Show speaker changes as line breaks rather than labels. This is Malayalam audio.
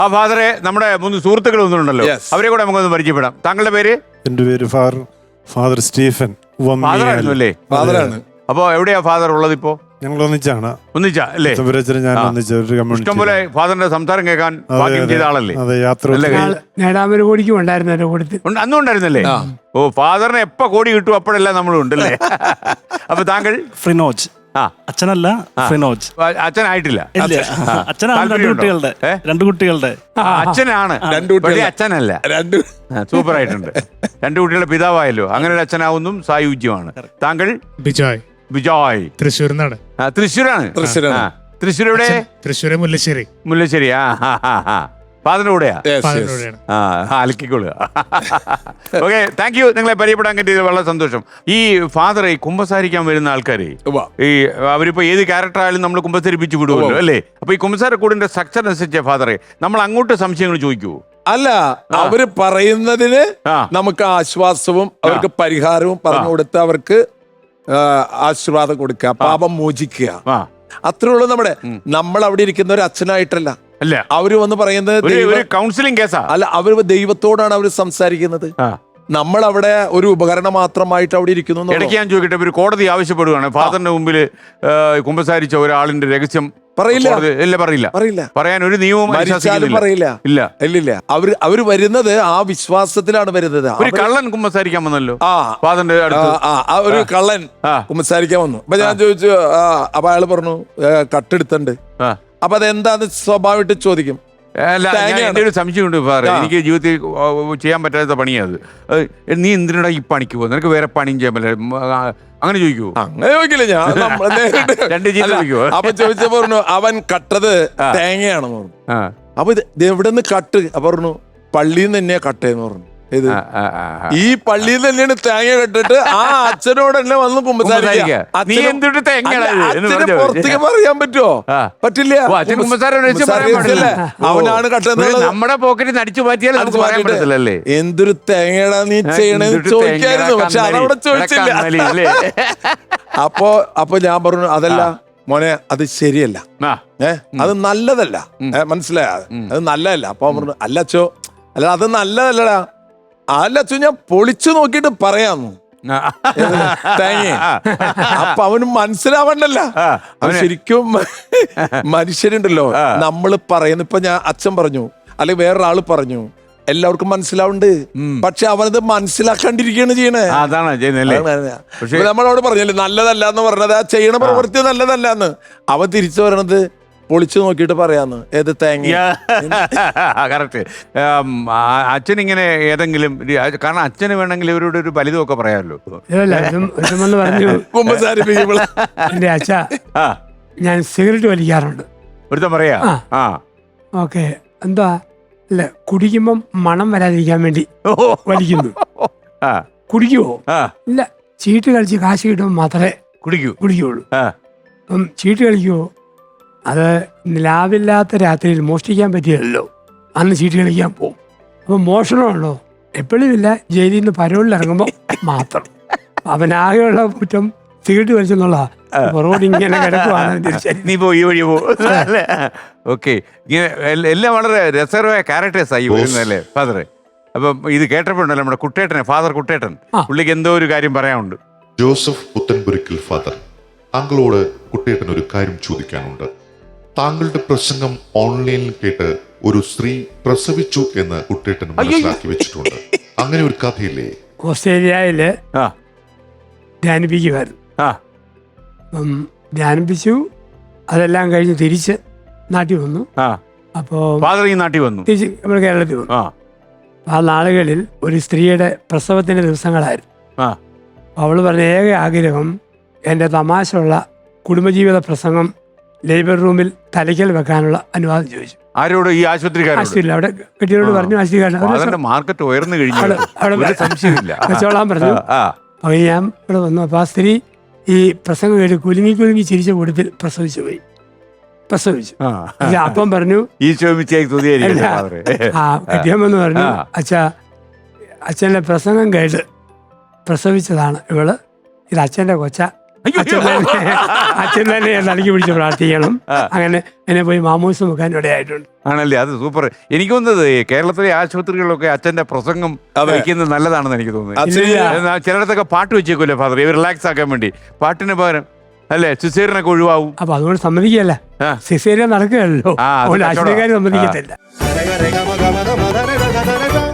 ആ ഫാദറെ, നമ്മുടെ 3 സുഹൃത്തുക്കൾ ഒന്നുണ്ടല്ലോ, അവരെ കൂടെ നമുക്കൊന്ന് പരിചയപ്പെടാം. താങ്കളുടെ പേര്?
എന്റെ പേര് ഫാദർ സ്റ്റീഫൻ.
ഫാദറായിരുന്നു അല്ലേ?
ഫാദറാണ്.
അപ്പൊ എവിടെയാ ഫാദർ ഉള്ളത് ഇപ്പോ?
ഞങ്ങൾ ഒന്നിച്ചാണ്.
ഒന്നിച്ചാ അല്ലേ?
ഞാൻ ഒന്നിച്ച ഒരു കമ്മ്യൂണിറ്റി.
ഇഷ്ടംപോലെ ഫാദറിന്റെ സംസാരം കേൾക്കാൻ ഭാഗ്യം ചെയ്ത ആളല്ലേ?
അതെ, യാത്ര
നേടാമൊരു കോടിക്കും ഉണ്ടായിരുന്നു കൂട്ടത്തിൽ.
അന്നും ഉണ്ടായിരുന്നല്ലേ? ഓ, ഫാദറിന് എപ്പോ കോടി കിട്ടും അപ്പോഴെല്ലാം നമ്മളും ഉണ്ടല്ലേ? അപ്പൊ താങ്കൾ?
ഫ്രിനോജ്. അച്ഛനല്ല, ഫ്രിനോജ്.
അച്ഛനായിട്ടില്ല.
അച്ഛനാണ് രണ്ട് കുട്ടികളുടെ
അച്ഛനാണ്, അച്ഛനല്ല. സൂപ്പർ ആയിട്ടുണ്ട്. 2 കുട്ടികളുടെ പിതാവായല്ലോ. അങ്ങനെ ഒരു അച്ഛനാവുന്നതും സായുജ്യമാണ്. താങ്കൾ?
ബിജോയ്. തൃശ്ശൂരിനാണ്.
തൃശ്ശൂരാണ്. തൃശ്ശൂർ എവിടെ?
തൃശ്ശൂര് മുല്ലശ്ശേരി.
മുല്ലശ്ശേരി. ഫാദറിന്റെ കൂടെയാ? അലക്കിക്കൊള്ളുക. Okay, thank you. നിങ്ങളെ പരിചയപ്പെടാൻ കിട്ടിയത് വളരെ സന്തോഷം. ഈ ഫാദറെ കുമ്പസാരിക്കാൻ വരുന്ന ആൾക്കാരെ, ഈ അവരിപ്പോ ഏത് ക്യാരക്ടർ ആയാലും നമ്മൾ കുമ്പസരിപ്പിച്ച് വിടുമല്ലോ അല്ലേ? അപ്പൊ ഈ കുമ്പസാരക്കൂടിന്റെ സ്ട്രക്ചർ അനുസരിച്ച് ഫാദറെ നമ്മൾ അങ്ങോട്ട് സംശയങ്ങൾ ചോദിക്കുവോ?
അല്ല, അവര് പറയുന്നതിന് നമുക്ക് ആശ്വാസവും അവർക്ക് പരിഹാരവും പറഞ്ഞു കൊടുത്ത് അവർക്ക് ആശീർവാദം കൊടുക്കുക, പാപം മോചിക്കുക. അത്രേ ഉള്ളൂ. നമ്മൾ അവിടെ ഇരിക്കുന്ന ഒരു അച്ഛനായിട്ടല്ല,
അല്ല.
അവര് വന്ന് പറയുന്നത്
കൗൺസിലിംഗ് കേസാ.
അല്ല, അവര് ദൈവത്തോടാണ് അവര് സംസാരിക്കുന്നത്. നമ്മൾ അവിടെ ഒരു ഉപകരണം മാത്രമായിട്ട് അവിടെ ഇരിക്കുന്നു.
ഇടയ്ക്ക് ഞാൻ ചോദിക്കട്ടെ, ഒരു കോടതി ആവശ്യപ്പെടുകയാണ് ഫാദറിന്റെ മുമ്പിൽ കുമ്പസാരിച്ച ഒരാളിന്റെ രഹസ്യം
പറയില്ല.
പറയാൻ ഒരു നിയമവും
പറയില്ല. ഇല്ല. അവര് വരുന്നത് ആ വിശ്വാസത്തിലാണ് വരുന്നത്.
ഒരു കള്ളൻ കുമ്പസാരിക്കാൻ വന്നല്ലോ ഫാദറിന്റെ
ഒരു കള്ളൻ കുമ്പസാരിക്കാൻ വന്നു. അപ്പൊ ഞാൻ ചോദിച്ചു, അപ്പൊ അയാൾ പറഞ്ഞു കട്ടെടുത്തുണ്ട്. അപ്പൊ അതെന്താന്ന് സ്വാഭാവികമായിട്ട് ചോദിക്കും.
എന്റെ ഒരു സംശയമുണ്ട് ഫാദർ, എനിക്ക് ജീവിതത്തിൽ ചെയ്യാൻ പറ്റാത്ത പണിയത്. നീ എന്തിനാ ഈ പണിക്ക് പോകുന്നത്? നിനക്ക് വേറെ പണിയും ചെയ്യാൻ പറ്റില്ല, അങ്ങനെ ചോദിക്കുവോ?
അങ്ങനെ ചോദിക്കില്ല. ഞാൻ അപ്പൊ ചോദിച്ചപ്പോ പറഞ്ഞു അവൻ കട്ടത് തേങ്ങയാണെന്ന് പറഞ്ഞു. അപ്പൊ ഇത് എവിടെ നിന്ന് കട്ട്? അപ്പൊ പറഞ്ഞു പള്ളിയിൽ നിന്ന് തന്നെയാ കട്ടേന്ന് പറഞ്ഞു. ഇത് ഈ പള്ളിയിൽ നിന്ന് തന്നെയാണ് തേങ്ങ കെട്ടിട്ട് ആ അച്ഛനോട് തന്നെ വന്ന് കുമ്പസാരിക്കുക. പുറത്തേക്ക് പറയാൻ പറ്റുമോ? പറ്റില്ല. അവനാണ് കട്ടെന്നുള്ളത്.
നമ്മുടെ പോക്കറ്റിൽ നടിച്ചു മാറ്റിയാൽ
എന്തൊരു തേങ്ങയാടാ നീ ചെയ്യണെന്ന് ചോദിക്കായിരുന്നു. പക്ഷെ അതവിടെ ചോദിച്ചില്ല. അപ്പൊ ഞാൻ പറഞ്ഞു അതല്ല മോനെ, അത് ശരിയല്ല, അത് നല്ലതല്ല, മനസ്സിലായ? അത് നല്ലതല്ല. അപ്പൊ പറഞ്ഞു അല്ല അച്ചോ, അല്ല അത് നല്ലതല്ലടാ. അല്ല അച്ഛൻ, ഞാൻ പൊളിച്ചു നോക്കിട്ട് പറയാന്നു തേങ്ങ. അപ്പൊ അവന് മനസ്സിലാവണ്ടല്ല. അവൻ ശരിക്കും മനുഷ്യരുണ്ടല്ലോ, നമ്മള് പറയുന്നു. ഇപ്പൊ അച്ഛൻ പറഞ്ഞു അല്ലെങ്കിൽ വേറൊരാള് പറഞ്ഞു, എല്ലാവർക്കും മനസ്സിലാവുന്നുണ്ട്. പക്ഷെ അവനത് മനസ്സിലാക്കാണ്ടിരിക്കുകയാണ് ചെയ്യണേ. നമ്മളോട് പറഞ്ഞല്ലേ നല്ലതല്ല എന്ന് പറഞ്ഞത്, ആ ചെയ്യണ പ്രവൃത്തി നല്ലതല്ല എന്ന്. അവൻ തിരിച്ചു പറയണത് പൊളിച്ചു നോക്കിയിട്ട് പറയാന്ന്. ഏത് തേങ്ങ?
കറക്റ്റ്. അച്ഛൻ ഇങ്ങനെ ഏതെങ്കിലും, കാരണം അച്ഛന് വേണമെങ്കിൽ ഇവരോട് ഒരു ഫലിതമൊക്കെ പറയാമല്ലോ.
എന്റെ അച്ഛ, ഞാൻ സിഗരറ്റ് വലിക്കാറുണ്ട്.
ഒരുത്തം പറയാ.
ഓക്കെ, എന്താ അല്ല, കുടിക്കുമ്പം മണം വരാതിരിക്കാൻ വേണ്ടി വലിക്കുന്നു. കുടിക്കുവോ? ഇല്ല, ചീട്ട് കളിച്ച് കാശ് കിട്ടുമ്പോൾ മാത്രമേ കുടിക്കുള്ളൂ. അപ്പം ചീട്ട് കളിക്കുവോ? അത് ലാഭില്ലാത്ത രാത്രിയിൽ മോഷ്ടിക്കാൻ പറ്റിയല്ലോ, അന്ന് ചീട്ട് കളിക്കാൻ പോകും. അപ്പം മോഷണമുള്ളോ? എപ്പോഴും ഇല്ല, ജയിലിൽ നിന്ന് പരോളിൽ ഇറങ്ങുമ്പോൾ മാത്രം. അവനാകെയുള്ള കുറ്റം സിഗരറ്റ് വലിച്ചെന്നുള്ള റോഡ് ഇങ്ങനെ കിടക്കുവാണ്.
നീ പോ, ഈ വഴി പോ. ഓക്കെ, ഇങ്ങനെ എല്ലാം വളരെ രസകരമായ ക്യാരക്ടേഴ്സ് ആയി വരുന്നല്ലേ ഫാദറെ? അപ്പം ഇത് കേട്ടപ്പോഴല്ലോ നമ്മുടെ കുട്ടേട്ടനെ, ഫാദർ കുട്ടേട്ടൻ, പുള്ളിക്ക് എന്തോ ഒരു കാര്യം പറയാനുണ്ട്.
ജോസഫ് പുത്തൻപുരയ്ക്കൽ ഫാദർ, താങ്കളോട് കുട്ടേട്ടൻ ഒരു കാര്യം ചോദിക്കാനുണ്ട്. താങ്കളുടെ പ്രസംഗം ഓൺലൈനിൽ കേട്ട് ഒരു സ്ത്രീ പ്രസവിച്ചു എന്ന് കുട്ടേട്ടൻ മനസ്സിലാക്കി വെച്ചിട്ടുണ്ട്. അങ്ങനെ ഒരു കഥയില്ലേ?
ഓസ്ട്രേലിയയില് ധ്യാനിപ്പിക്കുമായിരുന്നു. ധ്യാനിപ്പിച്ചു, അതെല്ലാം കഴിഞ്ഞ് തിരിച്ച് നാട്ടിൽ വന്നു. അപ്പോ
നാട്ടിൽ വന്നു,
തിരിച്ച് നമ്മുടെ കേരളത്തിൽ വന്നു. ആ നാളുകളിൽ ഒരു സ്ത്രീയുടെ പ്രസവത്തിന്റെ ദിവസങ്ങളായിരുന്നു. അവള് പറഞ്ഞ ഏക ആഗ്രഹം എൻ്റെ തമാശയുള്ള കുടുംബജീവിത പ്രസംഗം ലേബർ റൂമിൽ തലയ്ക്കൽ വെക്കാനുള്ള അനുവാദം ചോദിച്ചു.
ആരോട്? ഈ ആശുപത്രിയിൽ.
അവിടെ കെട്ടിയോട് പറഞ്ഞു, ആശുപത്രിക്കാരൻ
മാർക്കറ്റ് ഉയർന്നു കഴിഞ്ഞു,
വെച്ചോളാൻ പറഞ്ഞു. അപ്പൊ ഞാൻ ഇവിടെ വന്നു. അപ്പൊ ആ സ്ത്രീ ഈ പ്രസംഗം കേട്ട് കുലുങ്ങി ചിരിച്ച കൂട്ടത്തിൽ പ്രസവിച്ചു. അപ്പം പറഞ്ഞു, കെട്ടിയമെന്ന് പറഞ്ഞു, അച്ഛൻ്റെ പ്രസംഗം കേട്ട് പ്രസവിച്ചതാണ് ഇവള്, ഇത് അച്ഛൻ്റെ കൊച്ച, അച്ഛൻ തന്നെ തലയ്ക്ക് പിടിച്ച് പ്രാർത്ഥിക്കണം. അങ്ങനെ എന്നെ പോയി മാമൂസ് നോക്കാൻ ഇടയായിട്ടുണ്ട്.
ആണല്ലേ, അത് സൂപ്പർ. എനിക്ക് തോന്നുന്നത് കേരളത്തിലെ ആശുപത്രികളിലൊക്കെ അച്ഛന്റെ പ്രസംഗം വയ്ക്കുന്നത് നല്ലതാണെന്ന് എനിക്ക് തോന്നുന്നത്. ചിലയിടത്തൊക്കെ പാട്ട് വെച്ചേക്കൂല്ലേ ഫാദർ, ഇവർ റിലാക്സ് ആക്കാൻ വേണ്ടി. പാട്ടിന് പകരം അല്ലേ സിസേറിനൊക്കെ ഒഴിവാവും.
അപ്പൊ അതുകൊണ്ട് സമ്മതിക്കല്ല, സിസേറിയൻ നടക്കുകയല്ലോ, ആശുപത്രിക്കാർ സമ്മതിക്കത്തില്ല.